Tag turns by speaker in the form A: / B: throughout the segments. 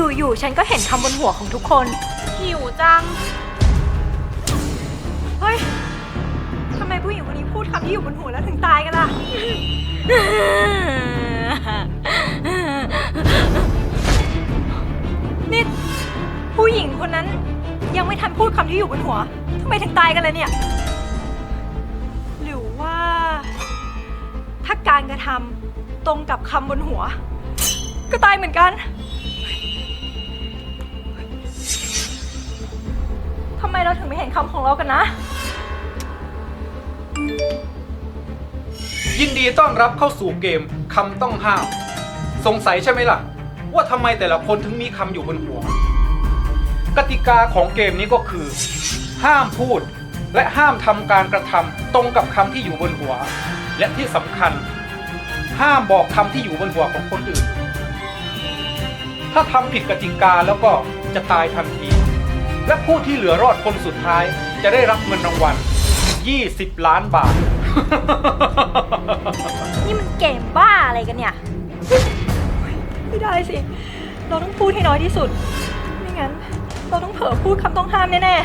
A: อยู่ๆฉันก็เห็นคำบนหัวของทุกคน
B: หิวจัง
A: เฮ้ยทำไมผู้หญิงคนนี้พูดคำที่อยู่บนหัวแล้วถึงตายกันล่ะ นี่ผู้หญิงคนนั้นยังไม่ทันพูดคำที่อยู่บนหัวทำไมถึงตายกันเลยเนี่ย หรือว่าถ้าการกระทำตรงกับคำบนหัว ก็ตายเหมือนกันทำไมเราถึงไม่เห็นคำของเรากันนะ
C: ยินดีต้อนรับเข้าสู่เกมคำต้องห้าม สงสัยใช่ไหมล่ะ ว่าทำไมแต่ละคนถึงมีคำอยู่บนหัว กติกาของเกมนี้ก็คือ ห้ามพูดและห้ามทำการกระทำตรงกับคำที่อยู่บนหัว และที่สำคัญ ห้ามบอกคำที่อยู่บนหัวของคนอื่น ถ้าทำผิดกติกาแล้วก็จะตายทันที และผู้ที่เหลือรอดคนสุดท้ายจะได้รับเงินรางวัล20 ล้านบาท
A: นี่มันเกมบ้าอะไรกันเนี่ย ไม่ได้สิ เราต้องพูดให้น้อยที่สุด ไม่งั้น เราต้องเผลอพูดคำต้องห้ามแน่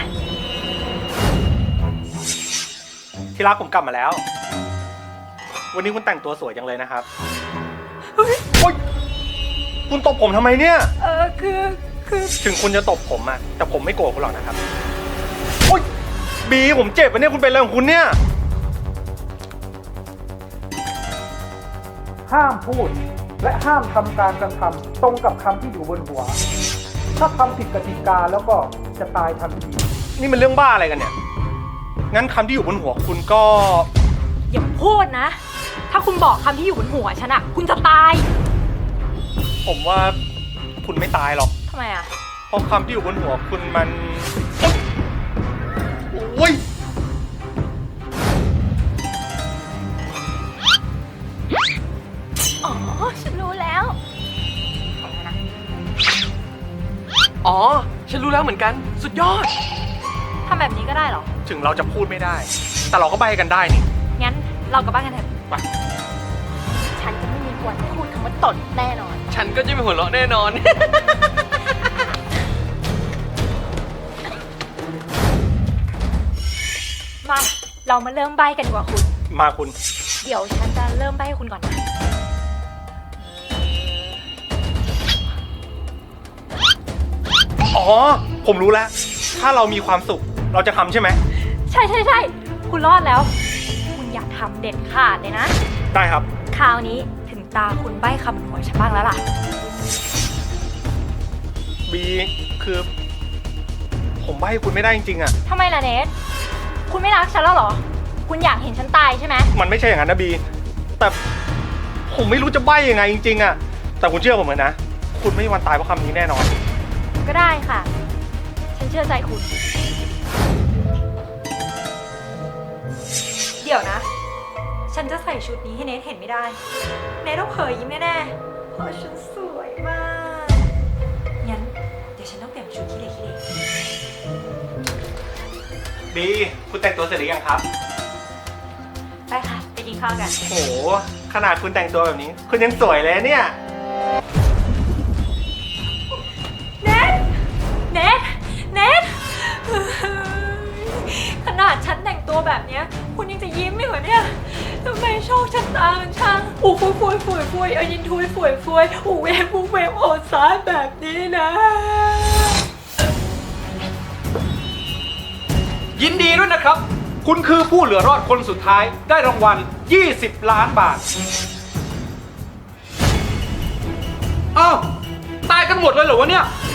D: ที่รักผมกลับมาแล้ว วันนี้คุณแต่งตัวสวยจังเลยนะครับ
A: ๆเฮ้ย
D: โอ๊ยคุณตบผมทำไมเนี่ย
A: คือ
D: ถึงคุณจะตบผมอะแต่ผมไม่โกรธคุณหรอกนะครับ โอ๊ยบีผมเจ็บอะเนี่ยคุณเป็นอะไรของคุณเนี่ย
C: ห้ามพูดและห้ามทำการกระทำตรงกับคำที่อยู่บนหัว ถ้าทำผิดกติกาแล้วก็จะตายทันที
D: นี่มันเรื่องบ้าอะไรกันเนี่ย งั้นคำที่อยู่บนหัวคุณก็
A: อย่าพูดนะ ถ้าคุณบอกคำที่อยู่บนหัวฉันอะคุณจะตาย
D: ผมว่าคุณไม่ตายหรอก
A: ทำไมอะ
D: เพราะคำที่อยู่บนหัวคุณมัน โอ๊ย
A: อ๋อ ฉันรู้แล้ว
E: อ๋อ ฉันรู้แล้วเหมือนกัน สุดยอด
A: ทำแบบนี้ก็ได้เหรอ
D: ถึงเราจะพูดไม่ได้ แต่เราก็ใบกันได้นี่
A: งั้นเรากลับบ้านกันเถอะ
D: ไป
A: ฉันจะไม่มีวันพูดคำว่าตดแน่นอน
E: ฉันก็จะไม่หัวเราะแน่นอน
A: มา เรามาเริ่มใบกันดีกว่าคุณ
D: มาคุณ
A: เดี๋ยวฉันจะเริ่มใบให้คุณก่อนนะ
D: อ๋อ ผมรู้แล้ว ถ้าเรามีความสุข เราจะทำใช่ไหม
A: ใช่ใช่ใช่คุณรอดแล้ว คุณอยากทำเด็ดขาดเลยนะ
D: ได้ครับ
A: คราวนี้ถึงตาคุณใบ้คำบนหัวฉันบ้างแล้วล่ะ
D: บีคือ ผมใบ้คุณไม่ได้จริงๆอะ
A: ทำไมล่ะเนทคุณไม่รักฉันแล้วเหรอ คุณอยากเห็นฉันตายใช่ไหม
D: มันไม่ใช่อย่างนั้นนะบี แต่ผมไม่รู้จะใบ้ยังไงจริงๆอะแต่คุณเชื่อผมเลยนะ คุณไม่มีวันตายเพราะคำนี้แน่นอน
A: ก็ได้ค่ะ ฉันเชื่อใจคุณ เดี๋ยวนะ ฉันจะใส่ชุดนี้ให้เนทเห็นไม่ได้ เนทต้องเผยยิ้มแน่ๆเพราะฉันสวยมาก งั้นเดี๋ยวฉันต้องเปลี่ยนชุดขี้เหร่ขี้เหร่
D: บีคุณแต่งตัวเสร็จหรือยังครับ
A: ไปค่ะ ไปกินข้าวกัน
D: โห ขนาดคุณแต่งตัวแบบนี้ คุณยังสวยเลยเนี่ย
A: เนทเนทเนทขนาดฉันแต่งตัวแบบเนี้ย คุณยังจะยิ้มไม่เหรอเนี่ยทำไมโชคชะตามันช่างอู้ฟุยฟุยฟุยฟุยเอายินทุยฟุยฟุยอู้เวฟอู้เวฟโอดสายแบบนี้นะ
C: ยินดีด้วยนะครับ คุณคือผู้เหลือรอดคนสุดท้ายได้รางวัล20 ล้านบาท อ้าว ตายกันหมดเลยเหรอวะเนี่ย